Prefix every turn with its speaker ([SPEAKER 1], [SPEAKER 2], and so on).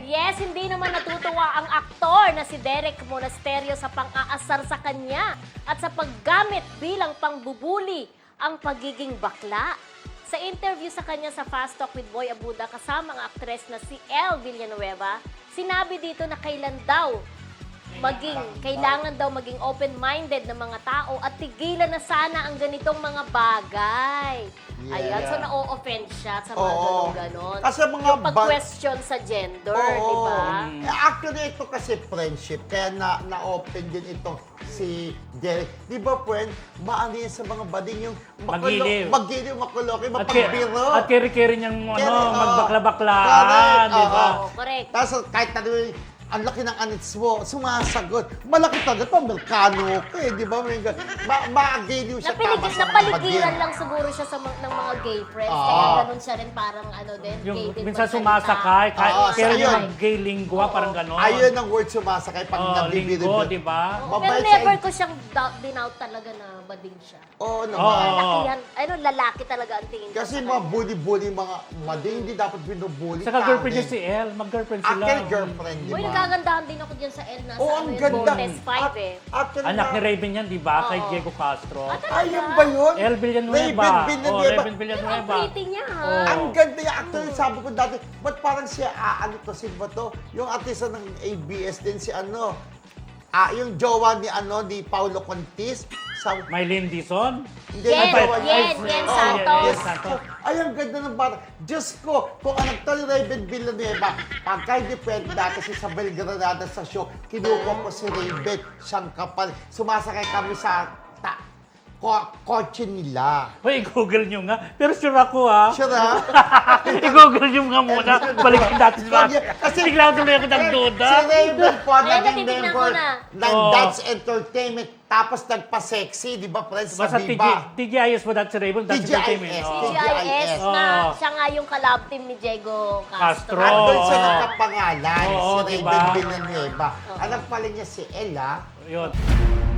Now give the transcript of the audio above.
[SPEAKER 1] Yes, hindi naman natutuwa ang aktor na si Derek Monasterio sa pang-aasar sa kanya at sa paggamit bilang pangbubuli ang pagiging bakla. Sa interview sa kanya sa Fast Talk with Boy Abuda kasama ang aktres na si Elle Villanueva, sinabi dito na kailangan daw maging open-minded ng mga tao at tigilan na sana ang ganitong mga bagay.
[SPEAKER 2] Yeah.
[SPEAKER 1] Ayan, so na-o-offend siya sa mga ganon-ganon.
[SPEAKER 2] Kasi mga
[SPEAKER 1] yung pag-question sa gender, di ba?
[SPEAKER 2] Actually, ito kasi friendship. Kaya na-open din itong si Derek. Di ba, friend? Maano yan sa mga bading yung
[SPEAKER 3] Magiliw,
[SPEAKER 2] makuloki, mapagbiro.
[SPEAKER 3] At keri-keri niyang magbakla-baklaan,
[SPEAKER 2] Correct,
[SPEAKER 3] di ba?
[SPEAKER 1] Correct.
[SPEAKER 2] Tapos kahit ang laki ng anits mo, sumasagot. Malaki talaga ito, Amerikano ka eh, di ba? Ma-agiliw siya
[SPEAKER 1] Napaligiran lang siguro siya ng mga gay friends. Kaya ganun siya rin parang gay
[SPEAKER 3] Yung
[SPEAKER 1] din
[SPEAKER 3] minsan
[SPEAKER 1] magsalita.
[SPEAKER 3] sumasakay, kaya
[SPEAKER 2] ayun.
[SPEAKER 3] yung gay lingua, parang gano'n.
[SPEAKER 2] Ayun ang word sumasakay pag nabibiro.
[SPEAKER 3] Linggo, di ba?
[SPEAKER 1] Oo, pero never ko siyang dinout talaga na bading siya.
[SPEAKER 2] Oo naman.
[SPEAKER 1] Lalakihan, lalaki talaga ang tingin ko
[SPEAKER 2] Kasi
[SPEAKER 1] sa
[SPEAKER 2] mga
[SPEAKER 1] kanya.
[SPEAKER 2] bully-bully, mga mading, hindi dapat binubully.
[SPEAKER 3] Saka girlfriend niya si Elle, mag-girlriend sila.
[SPEAKER 2] Actually, girlfriend, di
[SPEAKER 1] Uy,
[SPEAKER 2] ba?
[SPEAKER 1] nagagandahan din ako dyan sa El na
[SPEAKER 2] Oo,
[SPEAKER 1] sa
[SPEAKER 2] ang
[SPEAKER 1] yung
[SPEAKER 2] ganda.
[SPEAKER 1] Bontes 5 eh.
[SPEAKER 2] Actually,
[SPEAKER 3] Anak ni Raven yan, di ba? Kay Diego Castro.
[SPEAKER 2] Ayun ba yun?
[SPEAKER 3] Elle Villanueva.
[SPEAKER 2] Raven Villanueva.
[SPEAKER 3] Oh, Raven
[SPEAKER 1] Ang
[SPEAKER 3] Villanueva.
[SPEAKER 1] pretty niya ha.
[SPEAKER 3] Oo.
[SPEAKER 2] Ang ganda niya. Actually, sabi ko dati, ba't parang siya, sino ba to? Yung artista ng ABS din, si yung jowa ni Paulo Contis.
[SPEAKER 3] Mylene Dizon.
[SPEAKER 2] Hindi,
[SPEAKER 1] Yen,
[SPEAKER 2] jowa niya.
[SPEAKER 1] Yen Santos.
[SPEAKER 3] Yen Santos.
[SPEAKER 2] Ay, ang ganda ng bata. Diyos ko, kung ang actor ni Raven Villanueva, pagka hindi pwede dati si Isabel Granada sa show, kinuha ko si Raven, siyang kapal. Sumasakay kami sa kotse nila.
[SPEAKER 3] Hoy, i-google nyo nga. Pero sure ako ha.
[SPEAKER 2] Sure ha?
[SPEAKER 3] I-google nyo nga muna. Balikin natin sa
[SPEAKER 2] Kasi-
[SPEAKER 3] bigla tuloy ako nagduda.
[SPEAKER 2] Si Raven po,
[SPEAKER 1] Ayan,
[SPEAKER 2] naging
[SPEAKER 1] natitignan
[SPEAKER 2] member
[SPEAKER 1] ko na.
[SPEAKER 2] ng
[SPEAKER 3] Oo.
[SPEAKER 2] Dance Entertainment. Tapos nagpa-sexy, di ba, friends, sa
[SPEAKER 3] Basta
[SPEAKER 2] Viva?
[SPEAKER 3] TGIS mo dati si Raven, that's
[SPEAKER 2] TGIS.
[SPEAKER 3] entertainment.
[SPEAKER 2] Oh.
[SPEAKER 1] GIS na
[SPEAKER 3] Oo.
[SPEAKER 1] siya nga yung collab team ni Diego Castro.
[SPEAKER 3] Castro.
[SPEAKER 2] Andun siya
[SPEAKER 3] Oo.
[SPEAKER 2] nakapangalan,
[SPEAKER 3] Oo,
[SPEAKER 2] si
[SPEAKER 3] diba?
[SPEAKER 2] Raven Villanueva. Anak pala niya si Ella.
[SPEAKER 3] Yun.